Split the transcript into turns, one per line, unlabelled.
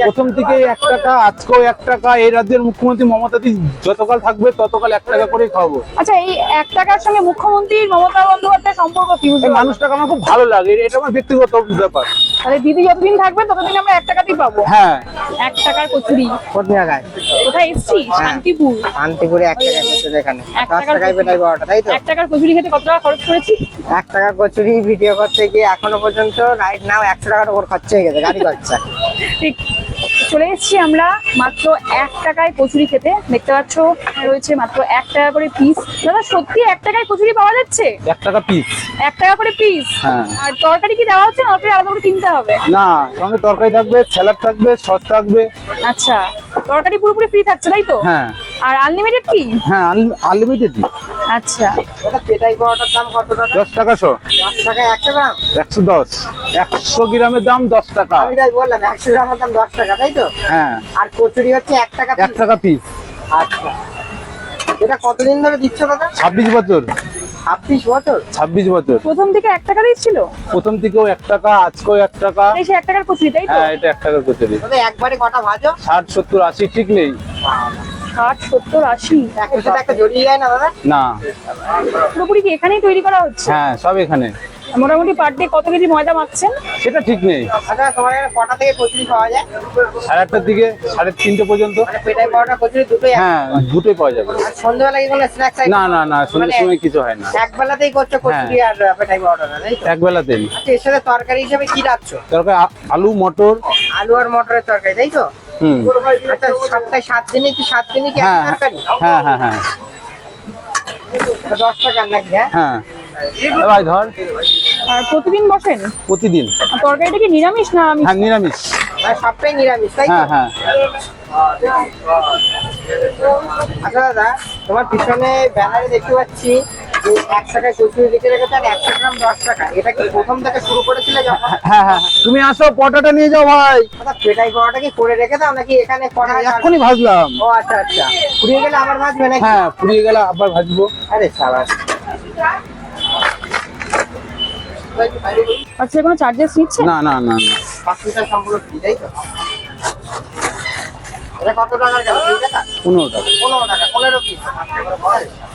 প্রথম থেকে 1 টাকা, আজকেও 1 টাকা। এই রাজ্যের মুখ্যমন্ত্রী মমতা দি যতকাল থাকবে ততকাল 1 টাকা করে খাবো।
আচ্ছা, এই 1 টাকার সঙ্গে মুখ্যমন্ত্রী মমতা বন্দ্যোপাধ্যায়ের সম্পর্ক কি?
এই মানুষটাকে আমার খুব ভালো লাগে, এটা আমার ব্যক্তিগত ব্যাপার।
তাহলে দিদি যতদিন থাকবে ততদিন আমরা 1 টাকাতেই পাবো।
হ্যাঁ।
1 টাকার কচুরি
কোন জায়গায়?
কোথায় এসছি? শান্তিপুর।
শান্তিপুরে 1 টাকা কচুরি এখানে
1
10 টাকায় পেটাই বড়টা, তাই তো?
1 টাকার কচুরি খেতে কত টাকা খরচ করেছি?
1 টাকা কচুরি ভিডিও করতে গিয়ে এখনো পর্যন্ত রাইট নাও 100 টাকার উপর খরচ হয়ে গেছে গাড়ি খরচা।
ঠিক। চলে এসেছি আমরা মাত্র 1 টাকায় কচুরি খেতে। দেখতে পাচ্ছ রয়েছে মাত্র 1 টাকা করে পিস। দাদা সত্যি 1 টাকায় কচুরি পাওয়া যাচ্ছে?
1 টাকা পিস।
1 টাকা করে পিস?
হ্যাঁ।
আর তরকারি কি দেওয়া হচ্ছে না ওটা আলাদা করে কিনতে হবে?
না, সঙ্গে তরকারি থাকবে, স্যালাড থাকবে, সস থাকবে।
আচ্ছা, তরকারি পুরোপুরি ফ্রি থাকছে তাই তো?
হ্যাঁ।
আর আনলিমিটেড কি?
হ্যাঁ, আনলিমিটেড।
আচ্ছা,
ওটা পেটাই বড়টার দাম কত টাকা?
10 টাকা শো।
10 টাকায় 100 গ্রাম?
110। 100 গ্রামের দাম 10 টাকা।
আমি তাই বললাম 100 গ্রামের দাম 10 টাকা, তাই তো?
হ্যাঁ।
আর কচুরি হচ্ছে 1 টাকা
1 টাকা পিস।
আচ্ছা, এটা কতদিন ধরে দিচ্ছ দাদা?
26 বছর।
26 বছর?
26 বছর।
প্রথম থেকে 1 টাকা দিচ্ছিল?
প্রথম থেকেও 1 টাকা, আজকেও 1 টাকা।
এই সে 1 টাকার কচুরি তাই তো?
হ্যাঁ, এটা 1 টাকার কচুরি।
তবে একবারে কটা ভাজো?
60, 70, 80 ঠিক নেই।
60, 70, 80?
একটা সাথে একটা জড়িয়ে যায় না দাদা?
না।
পুরোপুরি কি এখানেই তৈরি করা হচ্ছে?
হ্যাঁ, সব এখানে।
মোটামুটি পার ডে কত কেজি ময়দা মাখছেন?
সেটা ঠিক নেই।
আচ্ছা, তোমার এখানে কটা থেকে কচুরি পাওয়া যায়?
8:30 থেকে 3:30 পর্যন্ত।
মানে পেটাই বড়টা কচুরি দুটোই
হ্যাঁ, দুটোই পাওয়া যাবে।
আর সন্ধ্যাবেলা কি কোনো স্ন্যাক্স
না না না, সন্ধ্যের সময় কিছু হয় না।
এক বেলাতেই করছো কচুরি আর পেটাই বড়টা, তাই তো?
এক বেলাতেই।
আচ্ছা, এর সাথে তরকারি হিসেবে কি রাখছ?
তরকারি আলু, মটর।
আলু আর মটরের তরকারি, তাই তো?
হুম।
আচ্ছা, সপ্তাহে 7 দিনে কি 7 দিনই কি এক
হ্যাঁ
তরকারি?
হ্যাঁ হ্যাঁ হ্যাঁ
10 টাকার নাকি? হ্যাঁ।
হ্যাঁ। ভাই ধর।
আর প্রতিদিন বসেন?
প্রতিদিন।
আর তরকারিটা কি নিরামিষ না আমিষ?
হ্যাঁ, নিরামিষ।
মানে সবটাই নিরামিষ, তাই তো?
হ্যাঁ হ্যাঁ।
আচ্ছা দাদা, তোমার পিছনে ব্যানারে দেখতে পাচ্ছি যে 1 টাকায় কচুরি লিখে রেখেছে আর 100 গ্রাম 10 টাকা। এটা কি প্রথম থেকে শুরু করেছিলে যখন?
হ্যাঁ হ্যাঁ, তুমি আসো, পটাটা নিয়ে যাও ভাই।
আচ্ছা, পেটাই বড়াটা কি করে রেখে দাও নাকি এখানে করা হয়?
এখনই ভাজলাম।
ও আচ্ছা আচ্ছা, ফুরিয়ে গেলে আবার ভাজবে নাকি?
হ্যাঁ, পুড়িয়ে গেলে আবার ভাজবো।
আরে সাবাস।
আচ্ছা, কোনো চার্জেস নিচ্ছে?
না না না না।
5 লিটার সম্পূর্ণ ফ্রি, তাই তো? এটা কত টাকার গেল? 2 টাকা?
15 টাকা।
15 টাকা, 15 পিস।